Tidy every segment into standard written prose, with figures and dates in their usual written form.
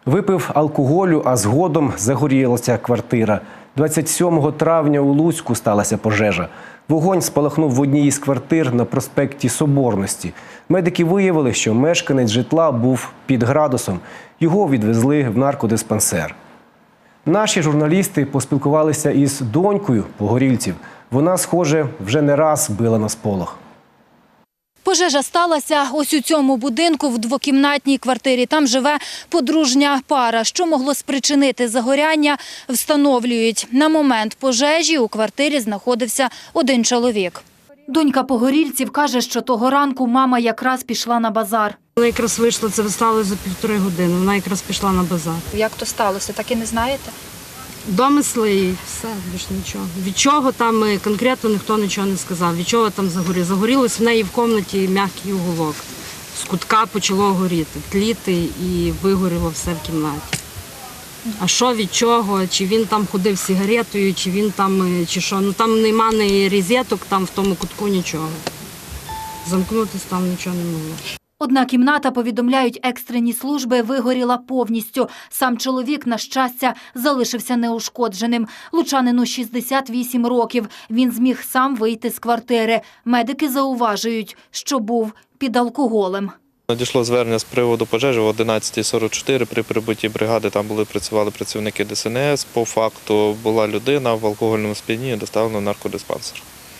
Випив алкоголю, а згодом загорілася квартира. 27 травня у Луцьку сталася пожежа. Вогонь спалахнув в одній із квартир на проспекті Соборності. Медики виявили, що мешканець житла був під градусом. Його відвезли в наркодиспансер. Наші журналісти поспілкувалися із донькою погорільців. Вона, схоже, вже не раз била на сполох. Пожежа сталася ось у цьому будинку в двокімнатній квартирі. Там живе подружня пара. Що могло спричинити загоряння, встановлюють. На момент пожежі у квартирі знаходився один чоловік. Донька погорільців каже, що того ранку мама якраз пішла на базар. Вона якраз вийшла, це стало за 1,5 години, вона якраз пішла на базар. Як то сталося, так і не знаєте? Домисли і все, більш нічого. Від чого там конкретно ніхто нічого не сказав, від чого там загорілося. Загорілось в неї в кімнаті м'який уголок. З кутка почало горіти, тліти і вигоріло все в кімнаті. А що від чого, чи він там ходив з сигаретою, чи він там, чи що. Ну там нема ні розеток, там в тому кутку нічого. Замкнутися там нічого не могло. Одна кімната, повідомляють екстрені служби, вигоріла повністю. Сам чоловік, на щастя, залишився неушкодженим. Лучанину 68 років. Він зміг сам вийти з квартири. Медики зауважують, що був під алкоголем. Надійшло звернення з приводу пожежі о 11:44. При прибутті бригади там працювали працівники ДСНС. По факту була людина в алкогольному сп'янінні, доставлена в наркодиспансер.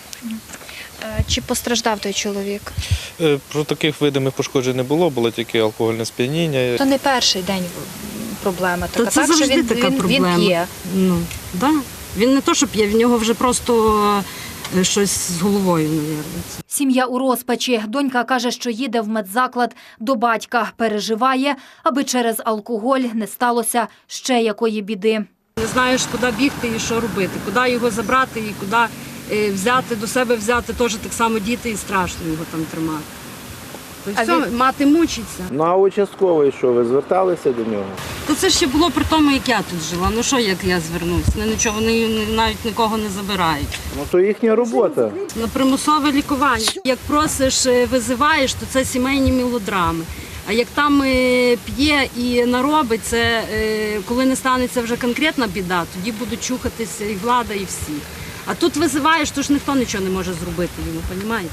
Чи постраждав той чоловік? Про таких видимих пошкоджень не було, було тільки алкогольне сп'яніння. То не перший день проблема така, це так, що завжди така проблема. Він п'є. Ну, да. Він не то, що п'є, в нього вже просто щось з головою, мабуть. Сім'я у розпачі. Донька каже, що їде в медзаклад до батька. Переживає, аби через алкоголь не сталося ще якої біди. Не знаєш, куди бігти і що робити, куди його забрати і куди взяти, до себе взяти, теж так само діти, і страшно його там тримати. Мати мучиться. Ну а участковий що, ви зверталися до нього? То це ще було при тому, як я тут жила. Ну що, як я звернусь? Нічого, вони навіть нікого не забирають. Ну то їхня робота. На примусове лікування. Як просиш, визиваєш, то це сімейні мелодрами. А як там п'є і наробить, це коли не станеться вже конкретна біда, тоді будуть чухатися і влада, і всі. А тут визиваєш, то ж ніхто нічого не може зробити йому, розумієте?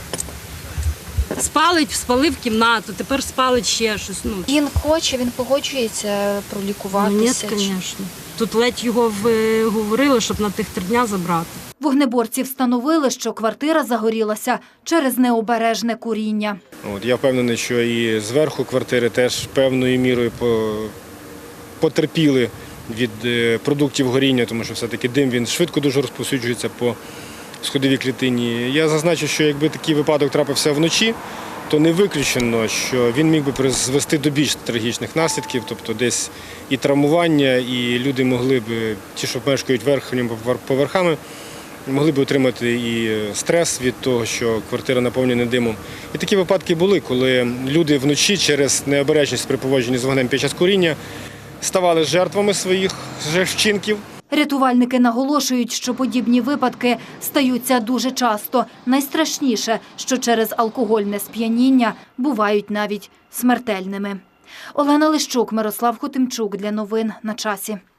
Спалив кімнату, тепер спалить ще щось. Ну. Він хоче, він погоджується пролікуватися? Ні, звісно. Тут ледь його говорили, щоб на тих 3 дні забрати. Вогнеборці встановили, що квартира загорілася через необережне куріння. Я впевнений, що і зверху квартири теж певною мірою потерпіли від продуктів горіння, тому що все-таки дим він швидко дуже розповсюджується по сходовій клітині. Я зазначу, що якби такий випадок трапився вночі, то не виключено, що він міг би призвести до більш трагічних наслідків, тобто десь і травмування, і люди могли б, ті, що мешкають верхніми поверхами, могли б отримати і стрес від того, що квартира наповнена димом. І такі випадки були, коли люди вночі через необережність при поводженні з вогнем під час куріння ставали жертвами своїх вчинків. Рятувальники наголошують, що подібні випадки стаються дуже часто. Найстрашніше, що через алкогольне сп'яніння бувають навіть смертельними. Олена Лищук, Мирослав Хотимчук. Для новин на часі.